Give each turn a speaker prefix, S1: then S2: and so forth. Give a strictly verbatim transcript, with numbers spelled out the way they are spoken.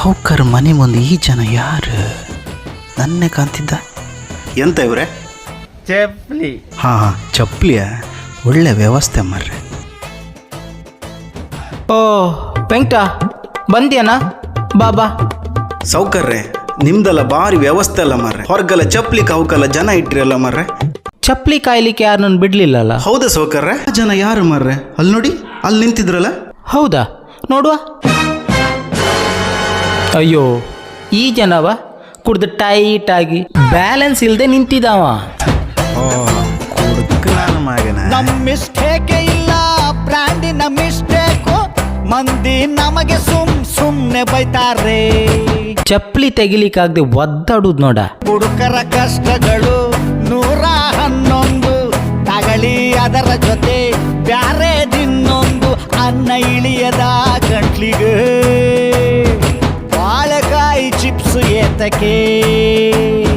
S1: ಸಾವುಕಾರ ಮನೆ ಮುಂದೆ ಈ ಜನ ಯಾರು ನನ್ನೇ ಕಾಣ್ತಿದ್ದ. ಎಂತ ಇವ್ರೆ?
S2: ಚಪ್ಲಿ.
S1: ಹಾಂ ಹಾಂ ಚಪ್ಪಲಿಯ ಒಳ್ಳೆ ವ್ಯವಸ್ಥೆ ಮಾರ್ರೆ.
S3: ಓ ವೆಂಕಟ ಬಂದ್ಯಾನ? ಬಾಬಾ
S1: ಸಾವುಕಾರ್ರೆ ನಿಮ್ದೆಲ್ಲ ಭಾರಿ ವ್ಯವಸ್ಥೆ ಅಲ್ಲ ಮಾರ್ರೆ. ಹೊರಗೆಲ್ಲ ಚಪ್ಪಲಿ ಕಾವುಕಲ್ಲ ಜನ ಇಟ್ರಿಯಲ್ಲ ಮಾರ್ರೆ.
S3: ಚಪ್ಪಲಿ ಕಾಯ್ಲಿಕ್ಕೆ ಯಾರು ನನ್ನ ಬಿಡ್ಲಿಲ್ಲಲ್ಲ.
S1: ಹೌದಾ ಸಾವುಕಾರ್ರೆ? ಜನ ಯಾರು ಮಾರ್ರೆ? ಅಲ್ಲಿ ನೋಡಿ ಅಲ್ಲಿ ನಿಂತಿದ್ರಲ್ಲ.
S3: ಹೌದಾ ನೋಡುವ. ಅಯ್ಯೋ ಈ ಜನವ ಕುಡ್ದು ಟೈಟ್ ಆಗಿ ಬ್ಯಾಲೆನ್ಸ್ ಇಲ್ಲದೆ ನಿಂತಿದ್ದಾವ.
S2: ನಮ್ ಮಿಸ್ಟೇಕೆ ಇಲ್ಲ, ಬ್ರ್ಯಾಂಡಿನ ಮಿಸ್ಟೇಕು. ಮಂದಿ ನಮಗೆ ಸುಮ್ ಸುಮ್ನೆ ಬೈತಾರೆ.
S3: ಚಪ್ಪಲಿ ತೆಗಿಲಿಕ್ಕಾಗದೆ ಒದ್ದಾಡುದು ನೋಡ.
S2: ಹುಡುಕರ ಕಷ್ಟಗಳು ನೂರ ಹನ್ನೊಂದು, ತಗಳಿ ಅದರ ಜೊತೆ ಬ್ಯಾರೆ ದಿನ್ನೊಂದು. ಅನ್ನ ಇಳಿಯದ ಗಂಟ್ಲಿಗೆ ಬಾಳೆಕಾಯಿ ಚಿಪ್ಸ್ ಏತಕ್ಕೆ.